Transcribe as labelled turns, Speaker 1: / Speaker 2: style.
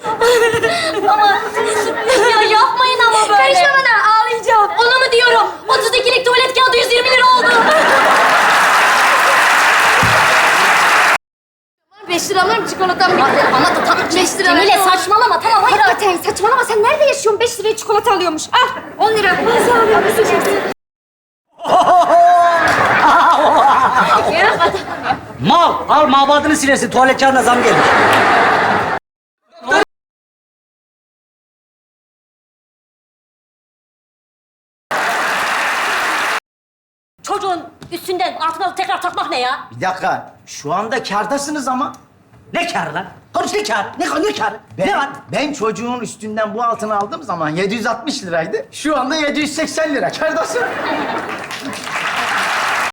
Speaker 1: Ama ya yapmayın ama böyle.
Speaker 2: Karışma bana, ağlayacağım.
Speaker 1: Ona mı diyorum? 32'lik tuvalet kağıdı 120 lira oldu.
Speaker 2: 5 lira alırım, çikolatam bitti.
Speaker 1: Ama tamam
Speaker 2: 5 lira
Speaker 1: Cemile
Speaker 2: verdim.
Speaker 1: saçmalama tamam hayır.
Speaker 2: Hakikaten saçmalama, sen nerede yaşıyorsun? 5 liraya çikolata alıyormuş. Al, 10 lira. Nasıl alıyorsun?
Speaker 3: Mal, al mabadını silersin. Tuvalet kağıdına zam gelmiş.
Speaker 1: Çocuğun üstünden altına tekrar takmak ne ya?
Speaker 4: Bir dakika. Şu anda kârdasınız ama.
Speaker 3: Ne kârı lan? Konuş ne kârı? Ne kârı? Ne var?
Speaker 4: Ben çocuğun üstünden bu altını aldığım zaman 760 liraydı. Şu anda 780 lira. Kârdasın.